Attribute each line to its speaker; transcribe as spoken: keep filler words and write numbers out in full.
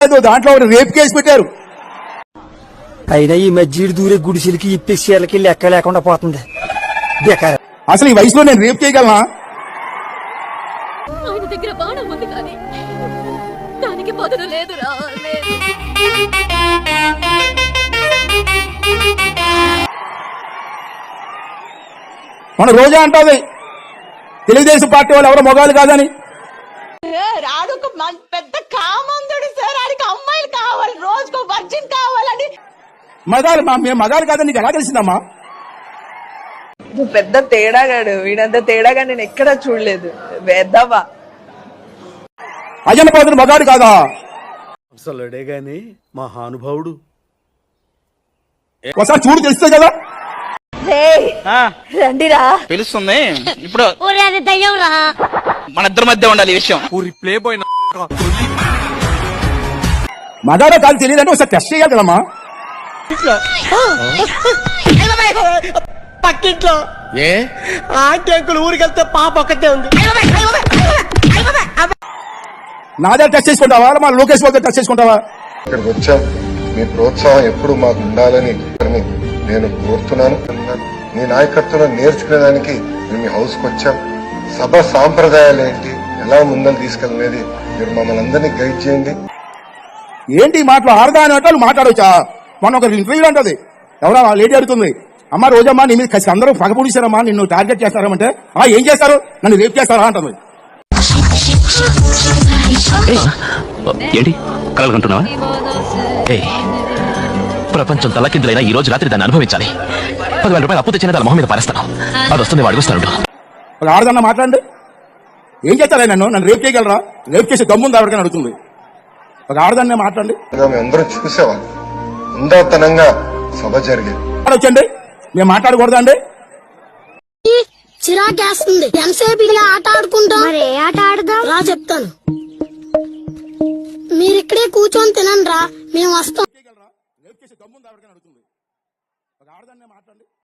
Speaker 1: దాంట్లో rape case పెట్టారు.
Speaker 2: అయినా ఈ మధ్య దూరే గుడిసెలకి ఇప్పేసేళ్ళకి లెక్క లేకుండా పోతుంది.
Speaker 1: అసలు ఈ వయసులో నేను రేప్ చేయగలనా?
Speaker 3: ఆయన దగ్గర బాణం ఉంది కానీ దానికి బదులు లేదురా.
Speaker 1: మన రోజా అంటుంది తెలుగుదేశం పార్టీ వాళ్ళు ఎవరో మొగాలు కాదని.
Speaker 4: రాడు ఒక పెద్ద కామందుడు సార్, ఆడికి అమ్మాయిలు కావాలి, రోజుకు వర్జిన్ కావాలని.
Speaker 1: మగాలు మేము మగాలు కాదని నీకు ఎలా తెలిసిందమ్మా?
Speaker 4: నువ్వు పెద్ద తేడాగాడు, వీడంత తేడాగా నేను ఎక్కడా చూడలేదు. వేద్దావా
Speaker 1: అజన పాత్ర మగాడు కాదా?
Speaker 5: అసలుడే గాని మహానుభావుడు.
Speaker 1: ఒకసారి చూడు తెలుస్తుంది కదా.
Speaker 4: రండిరా
Speaker 6: తెలుస్తుంది ఇప్పుడు. మన ఇద్దరి మధ్య ఉండాలి ఈ విషయం.
Speaker 5: ప్లే బాయ్
Speaker 1: మగాడో కాదు తెలియదంటే ఒకసారి టెస్ట్ చేయాలి కదమ్మా.
Speaker 5: పక్కింట్లో ఏ ఆంటీ అంకుల్ ఊరికెళ్తే పాప ఒక్కతే ఉంది.
Speaker 1: నా దగ్గర టెస్ట్ చేసుకుంటావా, మా లోకేష్ బాబు టెస్ట్ చేసుకుంటావా?
Speaker 7: ఇక్కడికి వచ్చాం, మీ ప్రోత్సాహం ఎప్పుడు మాకు ఉండాలని నేను కోరుతున్నాను. మీ నాయకత్వం నేర్చుకునేదానికి మేము మీ హౌస్కి వచ్చాం. సభ సాంప్రదాయాలు ఏంటి, ఎలా ముందని తీసుకెళ్ళనేది మీరు మమ్మల్ని అందరినీ గైడ్ చేయండి.
Speaker 1: ఏంటి మాటలు ఆడదా అని అంటే మాట్లాడవచ్చా? మొన్న ఒక ఇంటర్వ్యూ అంటది, ఎవరో లేడీ అడుగుతుంది, అమ్మ రోజమ్మా నీ మీద కసి అందరూ పగపొడిచారమ్మా, నిన్ను టార్గెట్ చేస్తారంటే ఆ ఏం చేస్తారు, నన్ను రేప్ చేస్తారా అంటుంది.
Speaker 8: ఏంటి కలగంటున్నావా? ప్రపంచం తలకిందులైనా ఈ రోజు రాత్రి దాన్ని అనుభవించాలి. పదివేల రూపాయలు అప్పు తెచ్చిన దాని మొహం మీద పారేస్తాను. అది వస్తుంది అడుగుస్తాడు.
Speaker 1: ఒక ఆడదన్నా మాట్లాడండి, ఏం చేస్తారా నన్ను నన్ను రేప్ చేయగలరా? రేప్ చేసే దమ్ముంది ఎవరికైనా అడుగుతుంది. ఒక ఆడదన్నే మాట్లాడండి.
Speaker 7: అందరం చూసేవాళ్ళం, ఉందాతనంగా సభ జరిగేది.
Speaker 1: వచ్చండి, మేము మాట్లాడకూడదా అండి?
Speaker 9: చిరాకేస్తుంది. ఎంతసేపు ఇలా ఆట ఆడుకుంటాం? మరి ఏ ఆట ఆడదాం రా చెప్తాను. మీరిక్కడే కూర్చొని తినండి రా, మేము వస్తాం.
Speaker 1: రేప్ చేసే దమ్ముంది ఎవరికైనా అడుగుతుంది. ఒక ఆడదన్నే మాట్లాడండి.